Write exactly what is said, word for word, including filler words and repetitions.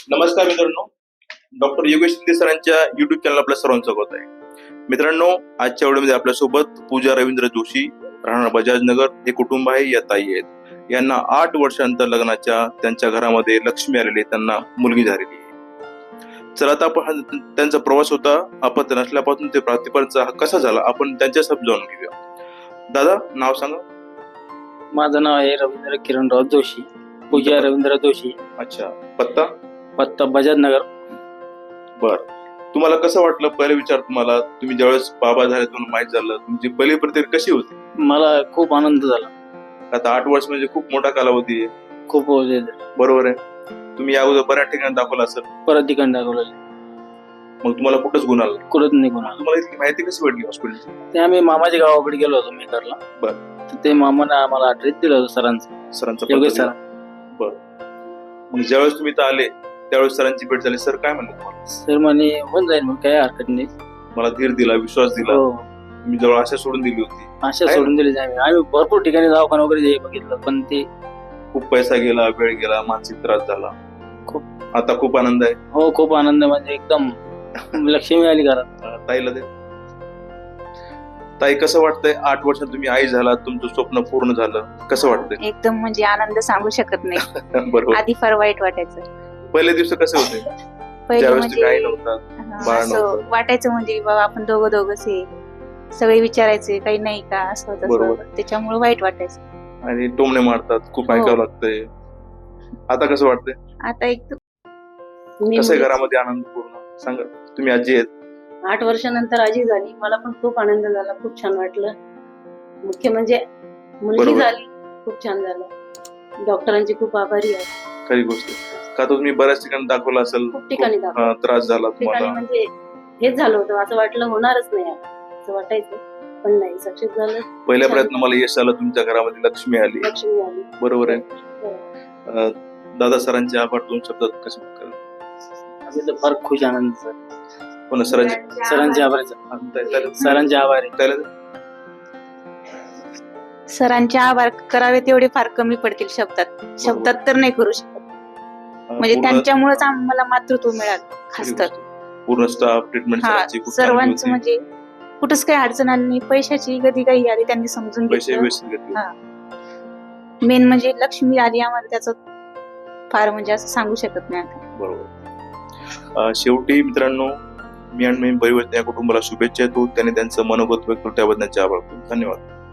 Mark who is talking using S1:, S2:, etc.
S1: नमस्कार मित्रांनो, डॉक्टर योगेश शिंदे सरांच्या युट्यूब चॅनल आपल्या सर्वांचं स्वागत आहे. मित्रांनो, आजच्या व्हिडिओमध्ये आपल्यासोबत पूजा रवींद्र जोशी, राहणार बजाजनगर हे कुटुंब आहे. या ताई आहेत. यांना आठ वर्षांतर लग्नाच्या त्यांच्या घरामध्ये लक्ष्मी आलेली, त्यांना मुलगी झालेली आहे. चला आता आपण त्यांचा प्रवास होता अपत्य नसल्यापासून ते प्राप्तीपर्यंतचा हा कसा झाला आपण त्यांच्या सब जाणून घेऊया. दादा, नाव सांगा.
S2: माझं नाव आहे रवींद्र किरणराव जोशी, पूजा रवींद्र जोशी.
S1: अच्छा, पत्ता
S2: पत्ता बजाजनगर.
S1: बर, तुम्हाला कसं वाटलं पहिला विचार? तुम्हाला तुम्ही ज्यावेळेस बाबा झाले तुम्हाला माहित झालं, तुमची पहिली प्रतिक्रिया कशी होती?
S2: मला खूप आनंद झाला.
S1: आता आठ वर्ष म्हणजे खूप मोठा कालावधी आहे.
S2: खूप
S1: बरोबर आहे. तुम्ही या अगोदर बऱ्याच ठिकाणी दाखवला असेल,
S2: परत ठिकाण दाखवलं,
S1: मग तुम्हाला कुठंच गुण आला?
S2: कुठंच निघून आलं.
S1: तुम्हाला इतकी माहिती कशी भेटली हॉस्पिटलची?
S2: ते आम्ही मामाच्या गावाकडे गेलो होतो मेकरला.
S1: बर.
S2: तर ते मामाने आम्हाला ऍड्रेस दिला होता सरांचा.
S1: सरांचा
S2: योगेश सर.
S1: बर. मग ज्यावेळेस तुम्ही इथं आले त्यावेळेस सरांची भेट झाली. सर काय म्हणले तुम्हाला?
S2: सर म्हणे होऊन जाईल, मग काय हरकत नाही.
S1: मला धीर दिला, विश्वास दिला.
S2: हो,
S1: तुम्ही जवळ आशा सोडून दिली होती.
S2: अशा
S1: आहे
S2: सोडून दिली आम्ही. आम्ही भरपूर ठिकाणी दवाखाना वगैरे बघितलं, पण ते
S1: खूप पैसा गेला, वेळ गेला, मानसिक त्रास झाला.
S2: खूप.
S1: आता खूप आनंद आहे.
S2: हो, खूप आनंद, म्हणजे एकदम लक्ष्मी आली घरात.
S1: अं, ताईला दे. ताई, कसं वाटतंय आठ वर्षात तुम्ही आई झाला, तुमचं स्वप्न पूर्ण झालं, कसं वाटतंय?
S3: एकदम म्हणजे आनंद सांगू शकत नाही.
S1: बरोबर.
S3: आधी फार वाईट वाटायचं.
S1: पहिले दिवस कसे होते
S3: पहिले
S1: ज्यावेळेस
S3: म्हणजे
S1: तुम्ही आई नव्हता,
S3: हा,
S1: बाळ
S3: असं
S1: नव्हतं?
S3: वाटायचं म्हणजे बाबा आपण दोघं दोघंच आहे, सगळे विचारायचे काही नाही का, असं
S1: बरोबर.
S3: तसं, त्याच्यामुळे वाईट वाटायचं.
S1: आणि टोमणे मारतात, खूप
S3: हो.
S1: ऐकावं लागतंय. आता कसं वाटतंय?
S3: आता एकदम
S1: कसं आहे घरामध्ये आनंद पूर्ण? सांगा. तुम्ही आजी आहेत.
S4: आठ वर्षानंतर आजी झाली, मला पण खूप आनंद झाला, खूप छान वाटलं. मुख्य म्हणजे मुलगी
S1: बरोबर.
S4: झाली, खूप छान झालं. डॉक्टरांची खूप आभारी आहे.
S1: खरी गोष्ट आहे. का तर तुम्ही बऱ्याच ठिकाणी दाखवलं असेल,
S4: खूप ठिकाणी
S1: खूप,
S4: दाखवलं.
S1: अं, त्रास झाला
S4: खूप ठिकाणी
S1: तुम्हाला.
S4: म्हणजे हेच झालं होतं, असं वाटलं होणारच नाही असं वाटायचं, पण नाही, सक्सेस झालं.
S1: पहिल्या
S4: छान.
S1: प्रयत्न मला यश आलं, तुमच्या घरामध्ये लक्ष्मी आली.
S4: लक्ष्मी आली.
S1: बरोबर आहे.
S4: बरोबर.
S1: अं, दादा, सरांचे आभार दोन शब्दात कसे करेल?
S2: आम्ही तर फार खुश आनंद सर.
S1: पण सरांचे
S2: सरांचे आभार. सरांचे आभार आहे.
S1: ताईला?
S3: सरांचे आभार करावे तेवढे फार कमी पडतील शब्दात. शब्दात तर नाही करू शकत.
S1: अं,
S3: म्हणजे
S1: पूर्ण-
S3: त्यांच्यामुळेच आम्हाला मातृत्व मिळालं खास तर.
S1: पूर्ण स्टाफ ट्रीटमेंट
S3: हा,
S1: सरांची खूप चांगली
S3: सर्वांचं
S1: होती.
S3: म्हणजे कुठंच काही अडचण आली नाही. पैशाची कधी काही आली त्यांनी समजून
S1: पैसे
S3: घेतलं.
S1: व्यवस्थित घेतले.
S3: हा. मेन म्हणजे लक्ष्मी आली आम्हाला, त्याचं फार म्हणजे असं सांगू शकत नाही आता.
S1: बरोबर. अं, शेवटी मित्रांनो, मी आणि मी परिवर्तन या कुटुंबाला शुभेच्छा देतो. त्यांनी त्यांचं मनोगत व्यक्त केलं त्याबद्दल त्यांचे आभार. धन्यवाद.